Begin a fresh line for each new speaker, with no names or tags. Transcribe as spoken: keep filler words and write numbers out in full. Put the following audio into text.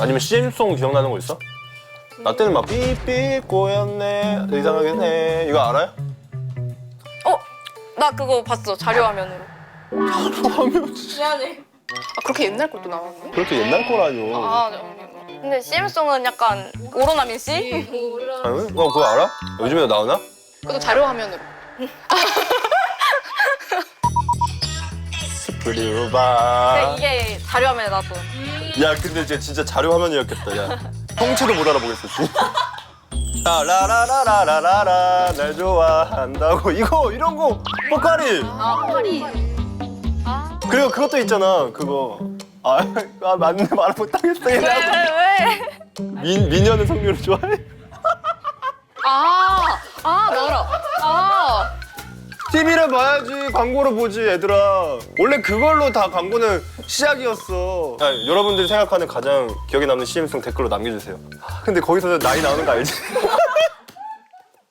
아니면 씨엠송 기억나는 거 있어? 나 때는 막 삐삐 꼬였네 이상하게 네 이거 알아요?
어? 나 그거 봤어. 자료 화면으로.
하면
미안해.
아 그렇게 옛날 것도 나왔네?
그렇게 옛날 거라뇨.
아, 네. 근데 씨엠송은 약간 오로나민 씨?
아니, 어 그거 알아? 요즘에도 나오나?
그것도 자료 화면으로.
스프리우바.
이게 자료 화면에 나왔던.
야 근데 쟤 진짜 자료 화면이었겠다. 야 통째로 못 알아보겠어. 아, 라라라라라라라 날 좋아한다고 이거 이런 거 뽀까리.
아, 파리. 아.
그리고 그것도 있잖아 그거. 아, 아 맞네 말 못하겠어.
왜, 왜, 왜?
민 민현은 성류를 좋아해?
아, 아, 나 알아. 아,
티비를 봐야지 광고를 보지 얘들아. 원래 그걸로 다 광고는 시작이었어. 야, 여러분들이 생각하는 가장 기억에 남는 씨엠송 댓글로 남겨주세요. 근데 거기서 나이 나오는 거 알지?